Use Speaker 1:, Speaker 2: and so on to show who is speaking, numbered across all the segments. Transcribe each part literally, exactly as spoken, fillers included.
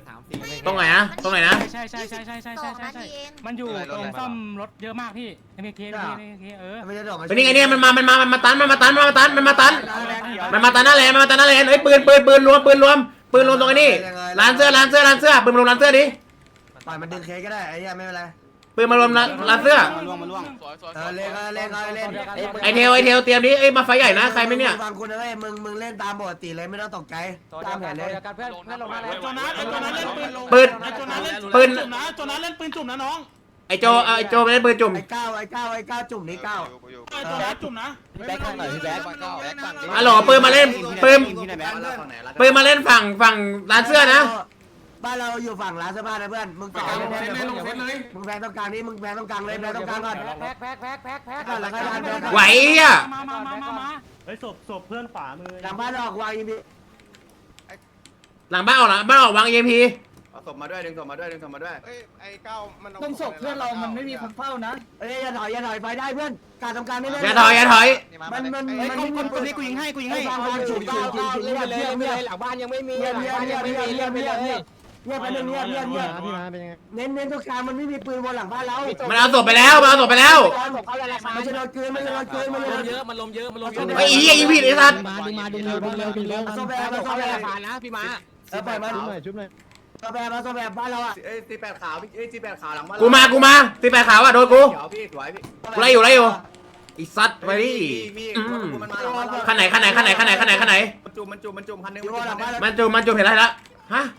Speaker 1: ตรงไหนนะตรงไหนนะ
Speaker 2: ใช่ใช่ใช่ใช่ใช่ใช่ใช่ใช่มันอยู่ตรงซ่อมรถเยอะมากพี่เอ็มเคเอ็มเคเออ
Speaker 1: เป็นยังไงเนี่ยมันมามันมามันมาตันมันมาตันมันมาตันมันมาตันมันมาตันหน้าแลนมันมาตันหน้าแลนเฮ้ยปืนปืนปืนรวมปืนรวมปืนรวมตรงนี้ร้านเสื้อร้านเสื้อร้านเสื้อปืนมารวมร้านเสื้อดิ
Speaker 3: ปล่อยมันดึงเคก็ได้ไอ้เหี้ยไม่เป็นไร
Speaker 1: ปืนมารวมร้านเสื้อ
Speaker 4: มาล่วงมาล่วง
Speaker 3: เออเล่นเล่นเล่น
Speaker 1: ไอเทลไอเทลเตรียมดิเอ้ยมาไฟใหญ่นะใครไม่เนี่ย
Speaker 3: ฟังคุณนะเว้ยมึงมึงเล่นตามปกติเลยไม่ต้องตกใจตามแผนเลย
Speaker 5: เพื่อนเพื่อนลงมาแล้ว
Speaker 4: โจนัสไอ้โจนัสเล่นปืนลง
Speaker 1: ปืน
Speaker 4: ไอ้โจนัสเล่น
Speaker 1: ปืน
Speaker 4: จุ่มนะโจนัสเล่นปืนจุ่มนะน้อง
Speaker 1: ไอโจไอโจไม่ได้ปืนจุ่ม
Speaker 3: ไอ้ก้าวไอ้ก้าวไอ้ก้าวจุ่มนี่ก้าว
Speaker 4: ไอ้โจนัสจุ่มนะ
Speaker 5: แบ็คข้างหน่อยพี่แบ็ค
Speaker 1: อ๋อหรอปืนมาเล่นปืนปืนมาเล่นฝั่งฝั่งร้านเสื้อนะ
Speaker 3: บ้านเราอยู่ฝั่งร้านเสื้อผ้านะเพื่อนมึงต่อเลยมึงแพงต้องกลางนี่มึงแพงต้องกลางเลยแพงต้องกลางก่อน
Speaker 5: แพ็คแพ็คแพ็คแพ็คแพ็ค
Speaker 3: ก่อนแล้วก็ดันแพง
Speaker 1: ไหวอ่ะ
Speaker 2: มามามามามา
Speaker 6: เฮ้ยศพศพเพื่อนขวามือ
Speaker 3: หลังบ้านออกวางยิงดี
Speaker 1: หลังบ้านออกหลังบ้านออกวางเอ็มพี
Speaker 7: เอาศพมาด้วยดึงศพมาด้วยดึงศพมาด้วยเอ้ยไอ้เก้ามัน
Speaker 5: ต้องศพเพื่อนเรามันไม่มีคนเฝ้านะ
Speaker 3: เอ้ยอย่าถอยอย่าถอยไปได้เพื่อนการทำการไม่เล่น
Speaker 1: อย่าถอยอย่าถอย
Speaker 3: มันมัน
Speaker 4: ไอ้
Speaker 3: มัน
Speaker 4: กล
Speaker 3: ไม่
Speaker 4: ม
Speaker 3: มี
Speaker 4: กลมนี้กูยิงให้กูยิงให้
Speaker 3: ฟังฟังจุดก้าวก้าวเล่นไปเลยเล่นไปเลย
Speaker 5: หลังบ้านยังไม่มี
Speaker 3: เงียบเงียบเงียบเงียบเงียบเงียบเงียบเงียบไปหนึ่งเงียบเงียบเงียบ
Speaker 6: พี่มาเป็นยังไง
Speaker 3: เน้นเน้นทุกครั้งมันไม่มีปืนบนหลังบ้านเรา
Speaker 1: มันเอาศพไปแล้วมันเอาศพไปแล้ว
Speaker 5: เขาละลาย
Speaker 3: ไม่ใช่โดนเกินไม่ใช่โดนเกินไม่ใช่
Speaker 5: ลมเยอะมันลมเยอะมันลมเยอะ
Speaker 1: ไอ้เหี้ยยิงผิดไอ้สัตว์
Speaker 6: มาดึงมาดึงเร็วดึงเร็วดึงเร็ว
Speaker 3: โซแบมาโซ
Speaker 5: เขา
Speaker 3: แบ
Speaker 5: ละลายนะพี่ม้า
Speaker 3: เออปล่อยมัน
Speaker 6: ชุบหน่อยชุบหน่อย
Speaker 3: โซแบมาโซแบบ้านเราอ่ะ
Speaker 7: เอ้ยตีแปดขาวพี่เอ้ยตีแปดขาวหลังบ้าน
Speaker 1: กูมากูมาตีแปดขาวอ่ะโดนกู
Speaker 7: เดี๋ยวพี่สวยพี่
Speaker 1: กูไล่อยู่ไล่อยู่ไอ้สัตว์ไปดิ
Speaker 7: พี่
Speaker 1: อืม
Speaker 7: มันมาหลังบ้านเรา
Speaker 1: คันไหนคันไหนคันไหนคันไหนคันไหนคันไหน
Speaker 7: มันจุ่มมันจุ่มมันจุ่มคันนึง
Speaker 3: อยู่บนหลังบ้าน
Speaker 1: มันจูมันจูเห็นอะไรละฮะ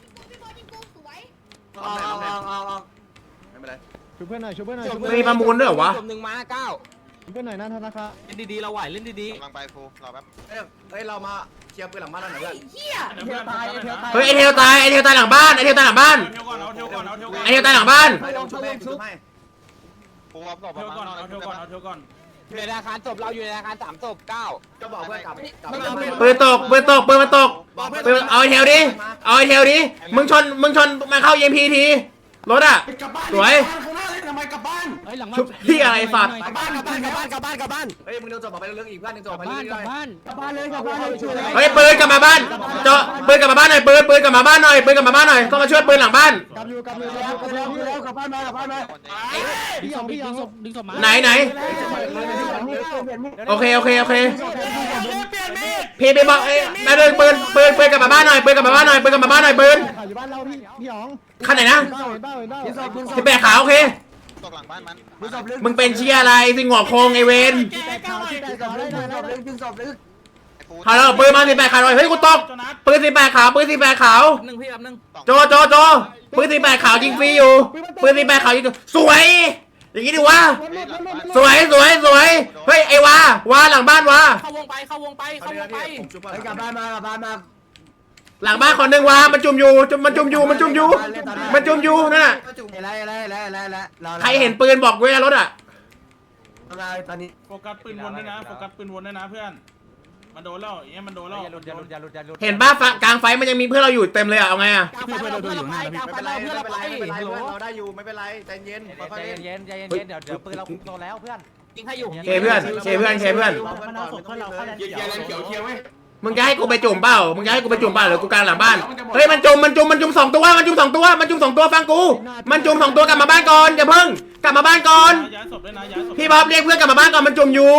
Speaker 3: ออกออกออกออกออก
Speaker 7: ไม่เป็นไร
Speaker 6: ชุบเพื่อนหน่อยชุบเพื่อนหน่อยชุบ
Speaker 1: มีประมูลด้วยเหรอวะ
Speaker 5: จมหนึ่งม้าเก้า
Speaker 6: เพื่อนหน่อยนะธนาคาร
Speaker 5: เล่นดีๆเราไหวเล่นดี
Speaker 7: กำลังไปฟูรอแป๊บเอ้ยเอ้ยเรามาเคลียร์ปืนหลังบ้านเราหน่อยเพื่อน
Speaker 4: เทียวตายเทียวตาย
Speaker 1: เฮ้ยไอเทลตายไอเทลตายหลังบ้านไอเทลตายหลังบ้าน
Speaker 4: เทียวก่อนเอาเทียวก่อนเอาเทียวก่อน
Speaker 1: ไอเทลตายหลังบ้าน
Speaker 7: ไปลงชุบให้ชุบให้
Speaker 4: เอาเทียวก่อนเอาเทียวก่อนเอาเทียวก่อน
Speaker 5: ๆอยู่ในอาคารศพเราอยู่ในอาคารสามศพเก้า
Speaker 7: ก็บอกเพื่อนกลับกลับ
Speaker 1: ปืนตกปืนตกปืนมันตกปืนเอาไอเทลดิเอาไอเทลดิมึงชนมึงชนมาเข้าเอ็มพีทีรถอ่ะสวย
Speaker 4: ข้างหน้าเลยทำไมกลับบ้าน
Speaker 2: เฮ้ยหลัง
Speaker 1: ชุบที่อะไรสัตว์
Speaker 5: กลับบ้านกลับบ้านกลับบ้านกลับบ้านกลับบ้าน
Speaker 7: เฮ้ยมึงโดนศพไปเรื่องอีกเพื่อนนึงศพไป
Speaker 2: บ้าน
Speaker 7: เรื่
Speaker 2: กลั
Speaker 7: อบ ย
Speaker 2: บ้าน
Speaker 3: กลับบ้านเลยกลับบ้านเลยช่วยเลย
Speaker 1: เฮ้ยปืนกลับมาบ้านเจาะปืนกลับมาบ้านหน่อยปืนปืนกลับมาบ้านหน่อยปืนกลับมาบ้านหน่อยต้องมาช่วยปืนหลังบ้าน
Speaker 6: กำอยู่กำอยู่
Speaker 3: แล้ว
Speaker 6: กำอยู่
Speaker 3: แล้วแล้วกลับบ้านมากลับบ้านมา
Speaker 6: พี่ยองพี่ย
Speaker 2: ดึ
Speaker 6: อง
Speaker 2: งศพดึงศพมา
Speaker 1: ไหนไหนโอเคโอเคโอเคพี่ไปบอกเอ้ยมาเดินปืนปืนปืนกลับมาบ้านหน่อยปืนกลับมาบ้านหน่อยปืนกลับมาบ้านหน่อยปืน
Speaker 6: ข่าวอยู่บ้านเราพี่พี่ยอง
Speaker 1: คันไหนนะ
Speaker 6: เบ้าเห็นเบ้าเห็นเบ้า
Speaker 3: ดึงศพดึงศ
Speaker 1: ที่
Speaker 3: พ
Speaker 1: แปะขาวโอเค
Speaker 7: ตกหลังบ้านมัน
Speaker 3: ดึงศพลึก
Speaker 1: มึงเป็นเชียอะไรสิงหัวโคงไอเวน
Speaker 6: ที่แตกข่าวที่แตก
Speaker 3: ดึงศ
Speaker 6: ข่าว
Speaker 3: พ
Speaker 6: ได้
Speaker 3: ลึก
Speaker 6: หน่
Speaker 3: ดึ
Speaker 6: อย
Speaker 3: งศพลึกดึงศพลึก
Speaker 1: ฮัลโหลปืนมาสิแปะขาวหน่อยเฮ้ยกูตกปืนสิแปะขาวปืนสิแปะขาว
Speaker 5: หนึ่งพี่แบบหนึ่ง
Speaker 1: โจโจโจปืนสิแปะขาวยิงฟรีอยู่ปืนสิแปะขาวยิงสวยอย่างงี้ดิวะสวยสวยสวยเฮ้ยไอวาวาหลังบ้านวา
Speaker 5: เข้าวงไปเข้าวงไปเข้าวงไป
Speaker 7: ผมชุบ
Speaker 3: ไอ้กลับบ้านมากลับบ้านมา
Speaker 1: หลังบ้านคนหนึ่งวามันจุ่มอยู่จุ่มมันจุ่มอยู่มันจุ่มอยู่มันจุ่มอยู่นั่นน่ะ
Speaker 3: อะไรอะไรอะไรอะไรอะไร
Speaker 1: ใครเห็นปืนบอกเว้ยรถอ่ะ
Speaker 3: อะไรตอนนี้
Speaker 4: โฟกัสปืนวนด้วยนะโฟกัสปืนวนด้วยนะเพื่อนมันโดนแล้วอย่างเงี้ยมันโดนแล้ว
Speaker 5: อย่าหลุดอย่าหลุดอย่าหลุดอย่าหลุด
Speaker 1: เห็นบ้ากลางไฟมันยังมีเพื่อนเราอยู่เต็มเลยอ่ะเอาไงอ่ะ
Speaker 5: กลางไฟเราเพื่อนเราไปกลางไฟ
Speaker 7: ไม่เป็นไร
Speaker 5: เราเพื่อน
Speaker 7: ไม่
Speaker 5: เรา
Speaker 7: เป็น
Speaker 5: ไป
Speaker 7: ไรไม่เป็นไรเพื่อนเราได้อยู่ไม่เป็นไรใจเย็นค่อย
Speaker 5: ใจ
Speaker 7: ๆเล่น
Speaker 5: เย็นใจเย็นใจเย็นเดี๋ยวเดี๋ยวปืนเราคุมโตแล้วเพื่อนยิงให้อยู่
Speaker 1: เคเพื่อนเคเพื่อนเคเพื่อน
Speaker 7: มันเอาศพเพื่อนเราเข้าแลนด์เขียวเขียวเว้ย
Speaker 1: มึงจะให้กูไปจุ่มเปล่ามึงจะให้กูไปจุ่มเปล่าหรือกูกลางหลังบ้านเฮ้ยมันจุ่มมันจุ่มมันจุ่มสองตัวมันจุ่มสองตัวมันจุ่มสองตัวฟังกูมันจุ่มสองตัวกลับมาบ้านก่อนอย่าเพิ่งกลับมาบ้านก่อน
Speaker 4: ย้ายศพด้วยนะย้ายศพ
Speaker 1: พี่บ๊อบเรียกเพื่อนกลับมาบ้านก่อนมันจุ่มอยู่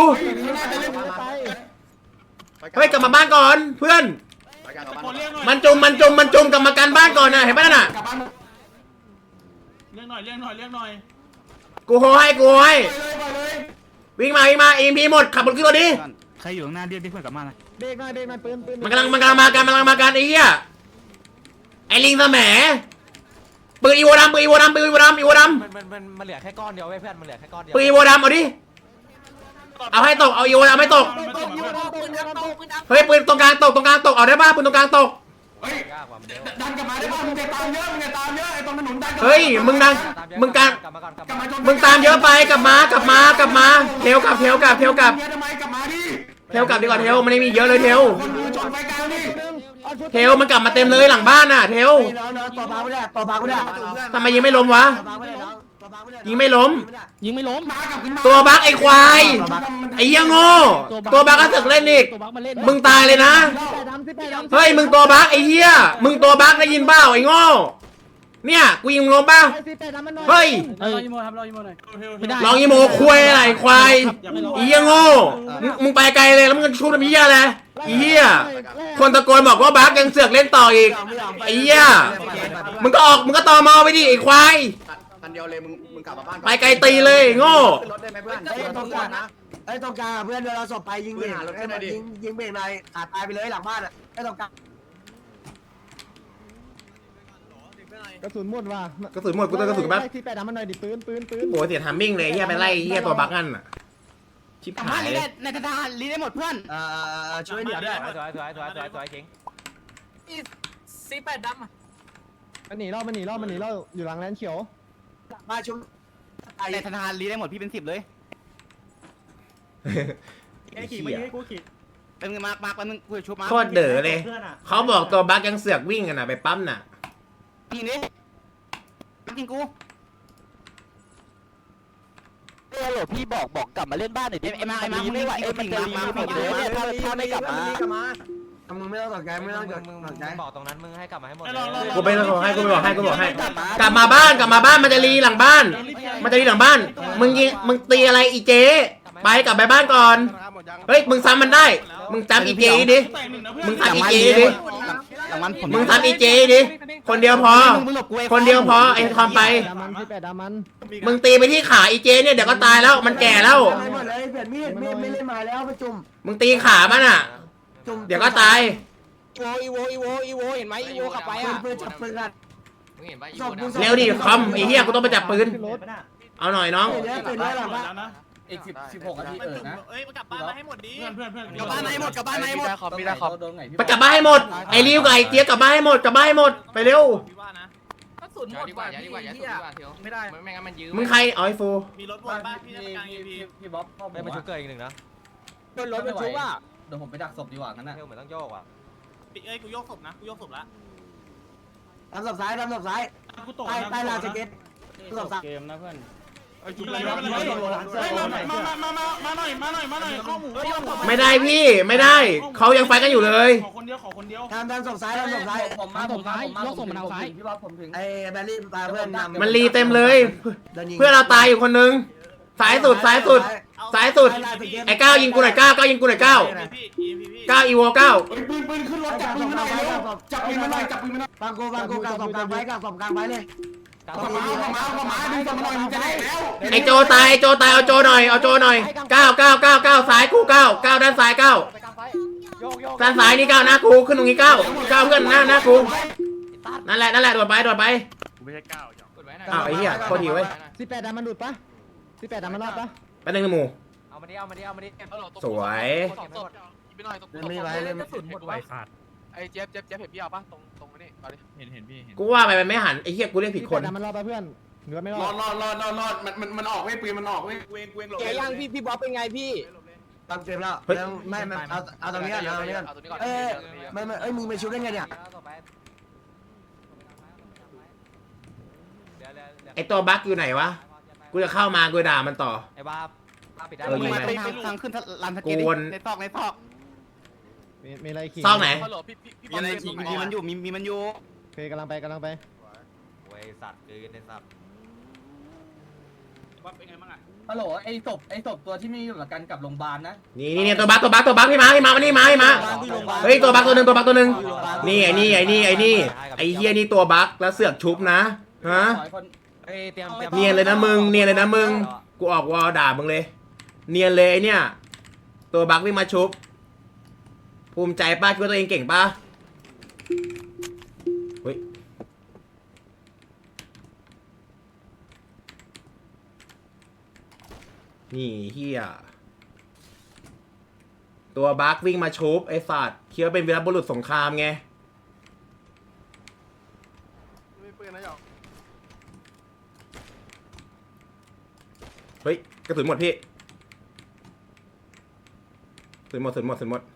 Speaker 1: เฮ้ยกลับมาบ้านก่อนเพื่อน
Speaker 4: คนเรียกหน่อย
Speaker 1: มันจุ่มมันจุ่มมันจุ่มกลับมากันบ้านก่อนนะเห็นป่ะน่ะ
Speaker 4: เรียกหน่อยเรียกหน่อยเรียกหน่อย
Speaker 1: กูโหให้กูโหให้วิ่งมาวิ่งมาเอ็มพีหมดขับรถขึ้นรถดิ
Speaker 2: ใครอยู่ข้างหน้าเรียกเพื่อนกลับมาหน่อย
Speaker 6: เบรกหน่อยเบรกหน่อยปืนปืน
Speaker 1: มันกำลังมันกำลังมากันมันกำลังมากันไอ้เหี้ยไอ้ลิงสมปืนอีโวดำปืนอีโวดำปืนอีโวดำอีโวด
Speaker 5: มันมันมันมันเหลือแค่ก้อนเดียวเว้ยเพื่อนมันเหลือแค่ก้อนเดีย
Speaker 1: ำ
Speaker 5: ว
Speaker 1: ปืนอีโวดำเอาดิเอาให้ตกเอาอีโวดำให้ตก
Speaker 5: ปืนครับปืนครับปืนครับ
Speaker 1: เฮ้ยปืนตรงกลางตกตรงกลางตกเอาได้ป่ะปืนตรงกลางตก
Speaker 5: ยากกว่ามันเดียว
Speaker 4: ดันกลับมาได้ป่ะมึงจะตามเยอะมึงจะตามเยอะไอ้ตรงถนนดัน
Speaker 1: เฮ้ยมึงดังมึงการ
Speaker 5: กลับมาก่อนกลับมา
Speaker 1: มึงตามเยอะไปกลับมากลับมากลับมาเทลกลับเทลกลับเทลกลับ
Speaker 4: เยอะทำไมกลับมาดิ
Speaker 1: เทลกลับดีกว่าเทลมันไม่มีเยอะเลยเทล
Speaker 4: คนดูชนไฟกลางดิ
Speaker 1: เทลมันกลับมาเต็มเลยหลังบ้านน่ะเทล
Speaker 3: น้องน้องต่อพาไม่ได้ต่อพาไม่ได้
Speaker 1: ทำไมยิงไม่ล้มวะ
Speaker 3: ต่อพาไม่ได้น้องต่อ
Speaker 1: ยิงไม่ล้ม
Speaker 2: ยิงไม่ล้ม
Speaker 1: ตัวบักไอ้ควายไอ้เหี้ยโง่ตัวบักก็สึกเล่นอีก
Speaker 2: ตัวบักมาเล่น
Speaker 1: มึงตายเลยนะ
Speaker 6: สิบแปดดำสิบแปดดำ
Speaker 1: เฮ้ยมึงตัวบักไอ้เหี้ยมึงตัวบักได้ยินเปล่าไอ้โง่เนี่ยกูยิงมึงล้มป่ะ
Speaker 6: สิบแปดดำมันหน่อย
Speaker 1: เฮ้ย
Speaker 2: เอ้ยยิโมครับรอยิโมหน่อยไม่ได้
Speaker 1: ลองยีโมคุยอะไรควายไอ้เหี้ยโง่มึงมึงไปไกลเลยแล้วมึงชูทำเหี้ยอะไรไอ้เหี้ยคนตะโกนบอกว่าบักยังเสือกเล่นต่ออีกไอ้เหี้ยมึงก็ออกมึงก็ตอมอไปดิไอ้ควาย
Speaker 7: คันเดียวเลยมึงมึงกลับมาบ้าน
Speaker 1: ไปไกลตีเลยโง่
Speaker 7: ขึ้นรถได้ไหมเพื่อน
Speaker 3: ไอ้ตรงกลางนะไอ้ตรงกลางเพื่อนเวลาศพไปยิงเบรกยิงยิงเบรกในขาดตายไปเลยหลังบ้านอ่ะไอ้ตรงกลาง
Speaker 6: กระสุนหมดว่ะ
Speaker 1: กระสุนหมดกูเติมกระสุนแป๊บ
Speaker 6: สิบแปดดำมันหน่อยดิปืนปืนปืน
Speaker 1: โอ้เสียทามมิ่งเลยเหี้ยไปไล่เหี้ยตัวบักนั่นอ่ะชิบหายเลย
Speaker 2: ในทหารรีได้หมดเพื่อน
Speaker 3: เอ่อช่วยเหลือด้วย
Speaker 5: สวยสวยสวยสวยสวยเก่ง สีแปดดำ
Speaker 6: มันหนีรอบมันหนีรอบมันหนีรอบอยู่หลังแลนเขียว
Speaker 3: มาชุบไอ้
Speaker 2: ในทหารรีได้หมดพี่เป็นสิบเลย
Speaker 1: ไอ้ขี่มายิงให้กู
Speaker 2: เป็นมามาเป็นกูชุบมา
Speaker 1: โคตรเด๋อเลยเขาบอกตัวบักยังเสือกวิ่งกันน่ะไปปั๊มน่ะ
Speaker 2: ยิงดิยิงกู
Speaker 5: เออโหลพี่บอกบอกกลับมาเล่นบ้านหน่อยดิ
Speaker 2: ไอ้มาไอ้มา
Speaker 5: ไม่ไหวเอ็มมันจะรีบหมดเลยถ้าถ้าไม่กลับมา
Speaker 3: มึงไม่ต้องตกใจไม่ต้องต
Speaker 5: มึง
Speaker 3: กใจ
Speaker 5: บอกตรงนั้นมึงให้กลับมาให้หมด
Speaker 1: กูไปบอกให้กูไปบอกให้กูบอกให้ กลับมาบ้านกลับมาบ้านมันจะรีหลังบ้าน มันจะรีหลังบ้าน มึงยิงมึงตีอะไรอีเจไปกลับไปบ้านก่อน เฮ้ยมึงซ้ำมันได้ มึงจำอีเจดิมึงทำอีเจดิ
Speaker 2: หลังมันผม
Speaker 1: มึงทำอีเจดิคนเดียวพอ คนเดียวพอไอ้ทอมไป
Speaker 6: ดำมันสิบแปดดำมัน
Speaker 1: มึงตีไปที่ขาอีเจเนี่ยเดี๋ยวก็ตายแล้วมันแก่แล้ว
Speaker 3: ไม่หมดเลยเปลี่ยนมีดมีดไม่เล่นมาแล้วประจุ่ม
Speaker 1: มึงตีขามันอ่ะ
Speaker 3: จุ่ม
Speaker 1: เดี๋ยวก็ตาย
Speaker 2: อีโวอีโวอีโวเห็นไหมอีโวขับไป
Speaker 3: ปื
Speaker 2: อ่ะ
Speaker 3: นปืนจับปืนกัน
Speaker 1: เร็วดิคอมไอ้เหี้ยกูต้องไปจับปืน
Speaker 6: ขึ้นรถ
Speaker 1: เอาหน่อยน้อง
Speaker 3: ปืนเนี้ยปืนเนี้ยหลังบ้าน
Speaker 4: แล้วนะ
Speaker 8: อีกสิบสิบหกนาทีเออนะ
Speaker 5: เอ้ยกลับบ้านมาให้หมดดิ
Speaker 4: เพื่อนเพื่อนเพื่อน
Speaker 2: กลับบ้านไหนหมดกลับบ้านไหนหมด
Speaker 8: มีได้ขอบโดนไงพี่
Speaker 1: ไปกลับบ้านให้หมด ไอ้ริวกับไอ้เจี๊ยบกลับบ้านให้หมดกลับบ้านให้หมดไปเร็ว
Speaker 5: พี่ว่านะกระสุนหมดกว่าพี่ไม่ได้ไม่งั้นมันยืม
Speaker 1: มึงใครเอาไอ้ฟู
Speaker 5: มีรถวนบ้านพี่
Speaker 8: พี่
Speaker 5: กลาง
Speaker 8: พี่
Speaker 5: พี
Speaker 8: พี่บ๊อบพ่อ
Speaker 5: ไม่มาชุบเกิดอีกหนึ่งนะ
Speaker 8: โดนรถไปชุบอ่ะเดี๋ยวผมไปดักศพดีกว่างั้นนะ
Speaker 5: เที่ยวเหมือนต้องโยกอ่ะ
Speaker 9: เอ้ยกูโยกศพนะกูโยกศพละ
Speaker 3: ทำศพซ้ายทำศพซ้าย
Speaker 4: กูตก
Speaker 3: ใต้ใต้ลานสเก็ตศพซ้าย
Speaker 4: เกมนะเพื่อนไอ้จุ๊บอะไรวะเฮ้ยมามามามามาหน่อยมาหน่อยมาหน่อยข้อหมู
Speaker 1: ไม่ได้พี่ไม่ได้เขายังไฟกันอยู่เลย
Speaker 4: ขอคนเดียวขอคนเดียว
Speaker 3: ทำทำศพซ้ายทำศพซ้าย
Speaker 8: ผมมาผมมาผมมาผมมาพี่บ๊อบผมถึง
Speaker 3: ไอ้แบลลี่ตาเพื่อนนำ
Speaker 1: มันรีเต็มเลย เพื่อนเราตายอยู่คนนึงสายสุดสายสุดสายสุดไอ้ก้าวยิงกูหน่อยก้าวก้าวยิงกูหน่อยก้าว
Speaker 9: พี่พี่พี่พี่
Speaker 1: ก้าวอีโวก้าว
Speaker 4: ปืนปืนขึ้นรถจับปืนมาหน่อยเร็วจับปืนมาหน่อยจับปืนมาหน่อย
Speaker 3: ฟังกูฟังกูกลางศพกลางไว้กลางศพกลางไว้เลย
Speaker 4: ขอมาขอมาขอมาดึงศพมาหน่อยมันจะได้แล้ว
Speaker 1: ไอ้โจตายไอ้โจตายเอาโจหน่อยเอาโจหน่อยก้าวก้าวก้าวก้าวซ้ายกูก้าวก้าวด้านซ้ายก้าวด้านซ้ายนี่ก้าวหน้ากูขึ้นตรงนี้ก้าวก้าวเพื่อนหน้าหน้ากูนั่นแหละนั่นแหละโดดไปโดดไป
Speaker 4: ไม่ใช่ก้าว
Speaker 1: อ้าวไอ้เหี้ยโคตรหิวเว้ย
Speaker 6: สิบแปดดำมันหลุดปะสิบแปดดำมันรอดปะ
Speaker 1: ไปหนึ่งหมู่
Speaker 5: เอามาดิเอามาดิเอามาดิ
Speaker 1: สวย
Speaker 5: ไปหน่อยตรง
Speaker 3: เล่นไม่ไหวเล่น
Speaker 5: กระสุนหมดไว
Speaker 2: ขาด
Speaker 5: ไอ้เจ๊บเจ๊บเจ๊บเห็นพี่เอาป่ะตรงตรงนี้เอาดิ
Speaker 4: เห็นเห็นพี่เห็น
Speaker 1: กูว่าไปมันไม่หันไอ้เหี้ยกูเรียกผิด
Speaker 6: สิบ
Speaker 1: ค
Speaker 6: แป
Speaker 1: น
Speaker 6: ดดำมันรอดปะเพื่อนเหลือไม่รอ
Speaker 4: รอ
Speaker 6: ด
Speaker 4: ดรอดรอดรอดรอดมันมันมันออกเว้ยปืนมันออกเว้ย
Speaker 9: เวงเวงหลบ
Speaker 5: เจ๊ยังพี่พี่บ๊อบเป็นไงพี่
Speaker 3: ตามเกมแล้วไม่ไม่เอาเอาตรงนี้ก่อนเอาตรงนี้ก่อนเอ้ยไม่ไม่เอ้ยมึงไปชุบได้ไงเนี่ย
Speaker 1: ไอ้ตัวบั๊กอยู่ไหนวะกูจะเข้ามากูด่ามันต่อ
Speaker 5: ไอ้บ้าบ้าปิดได้
Speaker 1: เออยิง
Speaker 2: มา
Speaker 1: ไป
Speaker 2: ทางทางขึ้นลานส
Speaker 1: กู
Speaker 2: เก็ต
Speaker 1: วน
Speaker 2: ในซอกในซอก
Speaker 6: มีมีอะไรขี่
Speaker 1: ซอกไหน
Speaker 5: ฮัลโหลพี่พี่พี่
Speaker 2: มีอะไรจริงมีมันอยู่มีมีมันอยู่
Speaker 6: โอเคกำลังไปกำลังไป
Speaker 5: โอ้ยสัตว์เกินไอ้สัตว์
Speaker 9: ว่าเป็นไงบ้างอ่ะ
Speaker 8: ฮัลโหลไอ้ศพไอ้ศพตัวที่ไม่อยู่กับกันกับโรงพยาบาลนะ
Speaker 1: นี่นี่นี่ตัวบั๊กตัวบั๊กตัวบั๊กพี่มาพี่มามานี่มาพี่มาเฮ้ยตัวบั๊กตัวหนึ่งตัวบั๊กตัวหนึ่งนี่ไอ้นี่ไอ้นี่ไอ้นี่ไอ้เฮียนี่ตัวบั๊กแล้วเสือกชุบนะฮะ
Speaker 8: ขอคน
Speaker 5: เอ้ยเตรียมเตรียม
Speaker 1: เนียนเลยนะมึงเนียนเลยนะมึงกูออกวอลด่ามึงเลย เนียนเลยไอ้เนี่ยตัวบั๊กวิ่งมาชุบภูมิใจป้าคิดว่าตัวเองเก่งป้าเฮ้ยนี่เฮียตัวบั๊กวิ่งมาชุบไอ้สัตว์คิดว่าเป็นวีรบุรุษสงครามไงเฮ้ยกระสุนหมดพี่กระสุนหมดกระสุนหมดกระสุนหมด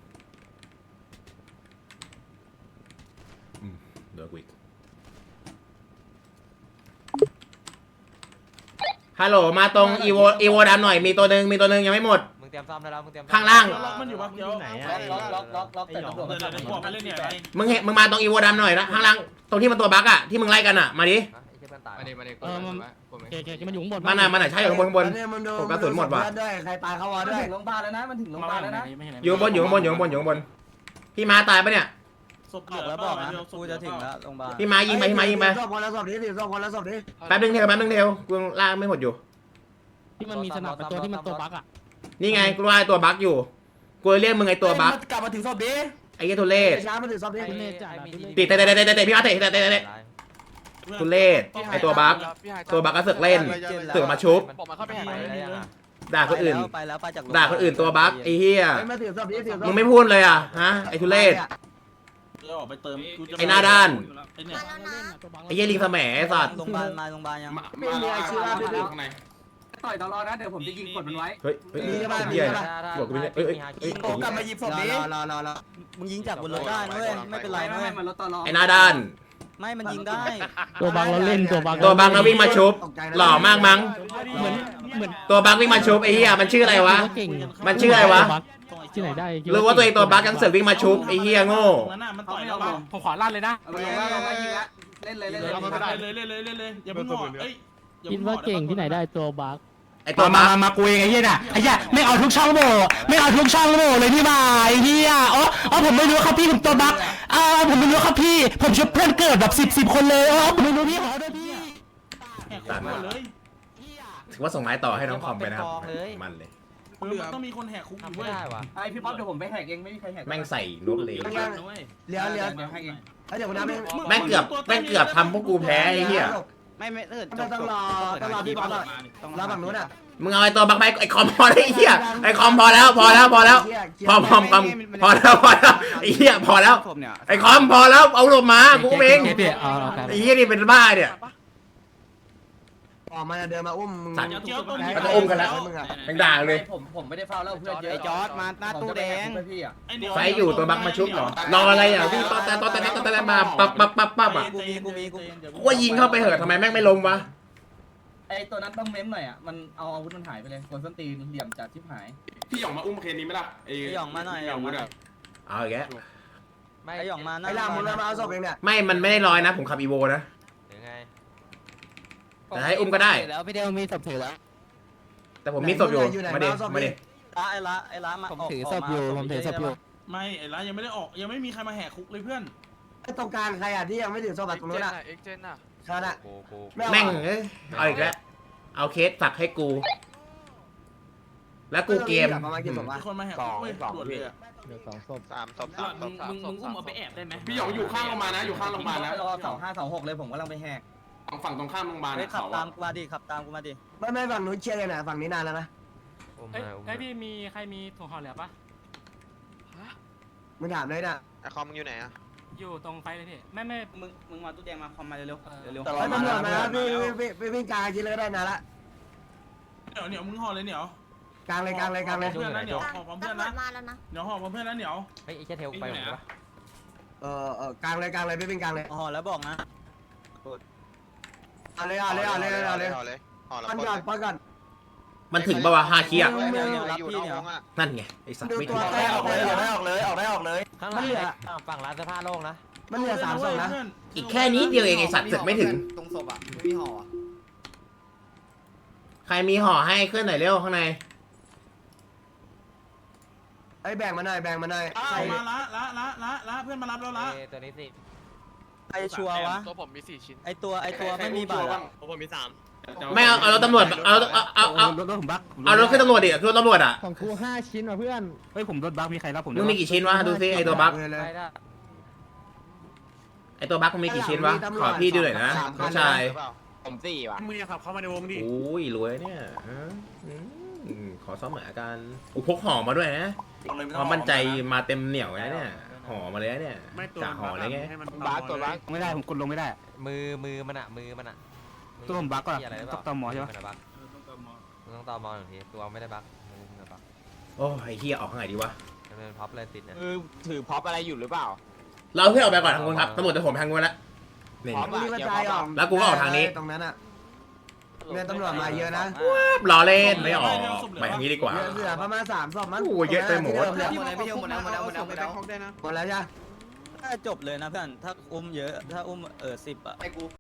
Speaker 1: อืมเดี๋ยวกูอีกฮัลโหลมาตรงอีโวอีโวดำหน่อยมีตัวหนึ่งมีตัวหนึ่งยังไม่หมด
Speaker 8: มึงเตรียมซ้อมได้แล้วมึงเตรียม
Speaker 1: ข้างล่าง
Speaker 4: ล็อกมันอยู่ปะเดี๋ยว
Speaker 8: ล็อกล็อกล็อกล็อกแต่ตำรวจ
Speaker 4: เดี๋ยวเดี๋ยวบอกไปเล่นเนี่ยไอ้
Speaker 1: มึงเห็นมึงมาตรงอีโวดำหน่อยนะข้างล่างตรงที่มันตัวบั๊กอะที่มึงไล่กันอะมาดิ
Speaker 5: มาดิมาดิ
Speaker 2: เออมันเกเกมันอยู่ข้างบน
Speaker 1: มาหน่ะมาหน่ะใช่อยู่ข้างบนข้างบน
Speaker 3: เนี่ยมันดู
Speaker 1: ผมกระสุนหมดว่ะ
Speaker 3: เพื่อนด้วยใครตายเขาวอ
Speaker 8: มัน
Speaker 3: ด้วย
Speaker 8: ถึงโรงพยาบาลแล้วนะมันถึงโรงพยาบาลแล้วนะ
Speaker 1: อยู่ข้างบนอยู่ข้างบนอยู่ข้างบนอยู่ข้างบนพี่ม้าตายปะเนี่ย
Speaker 4: ศพเหลือแล้วบอกนะกูจะถึงแล้ว
Speaker 1: พี่ม้ายิงไปพี่ม้ายิงไป
Speaker 3: ศพคนละศพนี้สิศพคนละศพนี้
Speaker 1: แป๊บนึงเทวแป๊บนึงเทวกูยังล่างไม่หมดอยู่
Speaker 2: ที่มันมีสนับเป็นตัวที่มันตัวบั๊กอ่ะ
Speaker 1: นี่ไงกูว่าไอ้ตัวบั๊กอยู่กูเรียกมึงไอ้ตัวบั๊ก
Speaker 3: กลับมาถึงศพนี้
Speaker 1: ไอ้เหี้ยทุเรศ
Speaker 3: ช้ามาถึงศพนี้
Speaker 1: ตีเตะเตะเตะเตะเตะพี่ม้าเตะเตะเตะเตะทุเรศไอ้ตัวบั๊กตัวบั๊กก็เสือกเล่นเสือกมาชุบ
Speaker 5: ผมมาเข้าไปแหกเลย
Speaker 1: ด่าคนอื่น
Speaker 8: ไปแล้วไปจาก
Speaker 1: ด่าคนอื่นตัวบั๊กไอ้เหี้ย
Speaker 3: มาถึงศพนี้ถึงศพ
Speaker 1: มึงไม่พูดเลยอ่ะฮะไอ้ทุเรศ
Speaker 4: เดี๋ยวออกไปเติมกูจะ
Speaker 1: ไอ้หน้าด้าน
Speaker 4: ไอ้เนี่ย
Speaker 1: ไอ้เหี้ยลิงแสมไอ้สัตว์
Speaker 8: โรงพยาบาลมาโรงพยาบาลยัง
Speaker 3: ไม่มีไอชีวะด้วย
Speaker 5: ข้างใน
Speaker 8: ต่อยตลอดนะเดี๋ยวผมจะยิงกดมันไว้
Speaker 1: เฮ้ยเฮ้ยเหี้ยบอกกูไม่ได้เอ้ยเอ้ย
Speaker 3: ผมกลับมาหยิบศพนี้รอรอรอรอ
Speaker 8: มึงยิงจากบนรถได้นะเว้ยไม่เป็นไรนะเว้ยมันรถตลอด
Speaker 1: ไอ้หน้าด้าน
Speaker 8: ไม่มันยิงได้
Speaker 2: ตัวบั๊กเราเล่นตัวบั๊ก
Speaker 1: ตัวบั๊กแล้ววิ่งมาชุบหล่อมากมั้ง
Speaker 2: เหมือนเหมือน
Speaker 1: ตัวบั๊กวิ่งมาชุบไอ้เหี้ยมันชื่ออะไรวะ
Speaker 2: เก่ง
Speaker 1: มันชื่ออะไรวะ
Speaker 2: ที่ไหนได้
Speaker 1: รู้ว่าตัวเองตัวบั๊กยังเสือกวิ่งมาชุบไอ้เหี้ยโง่
Speaker 4: นั่นน่ะมันต่อยแล้วป่ะ
Speaker 2: ผมขอลั่นเลยนะ
Speaker 8: เอาไปลงว่าลงว่ายิงละเล่นเลยเล่นเลย
Speaker 4: เลยเลยเลยเลยเลยอย่าเพิ่งห่อเอ้ย
Speaker 2: คิดว่าเก่งที่ไหนได้ตัวบั๊ก
Speaker 1: ไอ้ตัวบั๊ก
Speaker 2: มากูเองไอ้เหี้ยน่ะไอ้เหี้ยไม่เอาทุกช่องโหว่ไม่เอาทุกช่องโหว่เลยพี่บ่ายไอ้เหี้ยอ๋ออ๋อผมไม่รู้ครับพี่ผมตัวบั๊กอ้าวผมไม่รู้ครับพี่ผมช่วยเพื่อนเกิดแบบสิบสิบคนเลยอ๋อผมไม่รู้พี่ขอด้วยพี่
Speaker 4: แหกคุกหมดเลย
Speaker 1: ถือว่าส่งไม้ต่อให้น้องคอมไปนะครับมันเลย
Speaker 4: คือมันต้องมีคนแหกคุกอยู่เว้ย
Speaker 8: ไอพี่ป๊อปเดี๋ยวผมไปแหกเองไม่มีใครแหก
Speaker 1: แม่งใส่รถเลย
Speaker 3: เลี้ยวเลี้ยว
Speaker 8: เดี๋ยวแหกเอง
Speaker 3: เดี๋ยวคุณน้ำ
Speaker 1: แม่งเกือบแม่งเกือบทำพวกกูแพ้ไอ้เหี้ย
Speaker 8: ไม่ไม่ถ้าเกิด
Speaker 3: ต้องรอต้องรอพี่บอลรอฝั่งนู้นอ่ะ
Speaker 1: มึงเอาไอ้ตัวบั๊กไปไอ้คอมพอแล้วไอ้เหี้ยไอ้คอมพอแล้วพอแล้วพอแล้วพอพอพอพอแล้วพอแล้วไอ้เหี้ยพอแล้วไอ้คอมพอแล้วเอาลงมากูเองไอ้เหี้ยนี่เป็นบ้าเนี่ย
Speaker 3: ออกมาเดินมาอุ้มมึง
Speaker 1: มันจะอุ้มกันแล้วแม่งด่าเลย
Speaker 8: ผมผมไม่ได้ฟาวแล้วเพื่อนเยอะไอจอร์ดมาหน้าตู้แดงพี่อ่ะ
Speaker 1: ไฟอยู่ตัวบั๊กมาชุบเหรอรออะไรอ่ะพี่ตอนแต่ตอนแต่ตอนแต่มาปั๊บปั๊บปั๊บปั๊บอ่ะ
Speaker 8: กูมีกูมีกู
Speaker 1: กูว่ายิงเข้าไปเหอะทำไมแม่งไม่ล้มวะ
Speaker 8: ไอตัวนั้นต้องเม้มหน่อยอ่ะมันเอาอาวุธมันหายไปเลยคนส้นตีนเหลี่ยมจัดชิบหาย
Speaker 4: พี่หยองมาอุ้มเคนนี้ไหมล่ะไอ้
Speaker 8: ไอหยองมาหน่อยหยองมาหน่อย
Speaker 1: เอาอีกแล้ว
Speaker 8: ไอหยองมาหน้า
Speaker 3: ไอ้ล่ามึงมาเอาศพเองเนี่ย
Speaker 1: ไม่มันไม่ได้ลอยนะผมขับอีโวนะแต่ให้อุ้มก็ได้
Speaker 2: แล้วพี่เดียวมีศพถือแล้ว
Speaker 1: แต่ผมมีศพอยู่มาดิมาดิ
Speaker 8: ละไอละไอละมา
Speaker 2: ผมถือศพอยู่ผมถือศพอยู่
Speaker 4: ไม่ไอ้ร้านยังไม่ได้ออกยังไม่มีใครมาแหกคุกเลยเพื่อน
Speaker 3: ไอ้ตรงกลางใครอ่ะที่ยังไม่ถึงศพตรงนู้นอ่ะ
Speaker 5: เอ็กเจนอ่ะ
Speaker 3: ชาอ่ะ
Speaker 1: แม่งเอ้ยเอาอีกแล้วเอาเคสฝากให้กู แล้วกูเกม
Speaker 3: ประมาณกี่ศพวะ
Speaker 4: มีคนมาแหกคุกเว้ยด่วนเลยอ่ะ
Speaker 6: เดี๋ยวสองศพ
Speaker 5: สามศพสามศพสามศพ
Speaker 9: มึงอุ้มเอาไปแอบได้ไหม
Speaker 4: พี่หยองอยู่ข้างโรงพยาบาลนะอยู่ข้างโรงพยาบาลแล้ว
Speaker 8: รอเสาห้าเสาหกเลยผมกำลังไปแหก
Speaker 4: ฝั่งตรงข้ามโรงพยาบาล
Speaker 8: เฮ้ยขับตามกูมาดิขับตามกูมาดิ
Speaker 3: ไม่ไม่ฝั่งนู้นเชียร์กันนะฝั่งนี้นานแล้วนะ
Speaker 2: เอ้ยเอ้ยพี่มีใครมีถุงห่อเหลือปะ
Speaker 3: มึงถามเลยนะ
Speaker 5: ไอคอมมึงอยู่ไหนอ่ะ
Speaker 2: อยู่ตรงไฟเลยพี่ไม่ไม่
Speaker 8: มึงมึงมาตู้แดงมาคอมมาเร็วๆเร็ว
Speaker 3: ไอ้ตำรวจมาพี่พี่พี่วิ่งกลางกินเลยก็ได้นานละ
Speaker 4: เหนียวเหนียวมึงห่อเลยเหนียว
Speaker 3: กลางเลยกลางเลยกลางเลย
Speaker 4: เพื่อนนะเหนียวห่อพร้อมเพื่อนนะ
Speaker 10: มาแล้วนะ
Speaker 4: เหนียวห่อพร้อมเพื่อนนะเหนียว
Speaker 8: เฮ้ยไอ้แค่เทลไปหมดวะ
Speaker 3: เออเออกลางเลยกลางเลยพี่วิ่งกลางเลย
Speaker 8: ห่อแล้วบอกนะ
Speaker 3: เอาเลยเอาเลยเอาเลยเอาเลย
Speaker 5: เอาเลยห่อแล้ว
Speaker 3: ปันก่อนปันก่อน
Speaker 1: มันถึงปะวะฮาคิอ่ะ
Speaker 5: อยู่นอกวงอ่ะ
Speaker 1: นั่นไงไอสัตว์
Speaker 3: ดู
Speaker 1: ไม่
Speaker 3: ตั
Speaker 1: ถึ
Speaker 3: ว
Speaker 1: ง
Speaker 3: แรกออกเลยออกได้ออกเลยออกได้ออกเลย
Speaker 8: ข้างห
Speaker 3: มั
Speaker 8: ลั
Speaker 3: น
Speaker 8: ง
Speaker 3: เหลือ
Speaker 8: ฝั่งร้านเสื้อผ้าโล่งนะ
Speaker 3: มันเหลือสามศพนะ
Speaker 1: อีกแค่นี้เดียวเองไอสัตว์เสือกไม่ถึง
Speaker 7: ตรงศพอ่ะไม่มีห่อ
Speaker 1: ใครมีห่อให้เคลื่อนหน่อยเร็วข้างใน
Speaker 3: ไอ้แบ่งมาหน่อยแบ่งมาหน่อย
Speaker 4: อ้าวมาละละละละละเพื่อนมารับแล้วละ
Speaker 8: ตัวนี้สิไอชัวร์วะ
Speaker 5: ตัวผมมีสี่ชิ้น
Speaker 8: ไอตัวไอตัวไม่มีบัตร
Speaker 5: ผมมีสาม
Speaker 1: ไม่เอาเอารถตำรวจเอาเอาเอาเอา
Speaker 2: รถรถผมบั๊ก
Speaker 1: เอารถขึ้นตำรวจดิขึ้นรถตำรวจอ่ะ
Speaker 6: ของกูห้าชิ้นว่ะเพื่อน
Speaker 2: เฮ้ยผมรถบั๊กมีใครรับผม
Speaker 1: มึงมีกี่ชิ้นวะดูซิไอตัวบั๊ก
Speaker 3: เลย
Speaker 8: ได้ได้
Speaker 1: ไอตัวบั๊กมึงมีกี่ชิ้นวะขอพี่ดูหน่อยนะน้องชาย
Speaker 5: ผมสี่ว่ะ
Speaker 9: มึงอย่าขับเข้ามาในวงดิ
Speaker 1: โอ้ยรวยเนี่ยฮะอืมขอซ้อมหมากันอุพกห่อมาด้วยนะความมั่นใจมาเต็มเหนียวนะเนี่ยห่อมาเลยนะเนี่ยกะห่อเลยไง
Speaker 9: บาสตัวบาส
Speaker 2: ไม่ได้ผมกดลงไม่ได้
Speaker 8: มือมือมันอะมือมันอะ
Speaker 2: ตัวผมบั๊กก่อน
Speaker 8: อะไร
Speaker 2: ต้องตอมหมอใช่ปะ
Speaker 8: บั๊กมึงต้องตอมอหนึ่งทีตัวไม่ได้บั๊กมือมึงบั๊ก
Speaker 1: โอ้ยไอ้เฮียออกข้างไหนดีวะ
Speaker 8: มันเป็นพับเลยติดเนี่ย
Speaker 5: คือถือพ็อปอะไรอยู่หรือเปล่า
Speaker 1: เราเพื่อนออกไปก่อนทางคุณครับตำรวจจะผมทางคุณแล้วนี่
Speaker 5: พร้อม
Speaker 3: มึงรีบกระจายออกตรงนั้นอ่ะ
Speaker 1: ร
Speaker 3: เรือตำรวจมาเยอะนะ
Speaker 1: รอเล่นไม่ออกไปอย่างนี้ดีกว่า
Speaker 3: เรือเสือประมาณสามศพมั้ง
Speaker 1: โอ้เยอะไปหมด
Speaker 7: หมดแล้วหมดแล้วหมดแล้วหมดแล้วหมดแล้วหมดแล้ว
Speaker 3: หมดแล้วจ้ะ
Speaker 10: ถ้าจบเลยนะเพื่อนถ้าอุ้มเยอะถ้าอุ้มเออสิบอะ
Speaker 7: ไปกู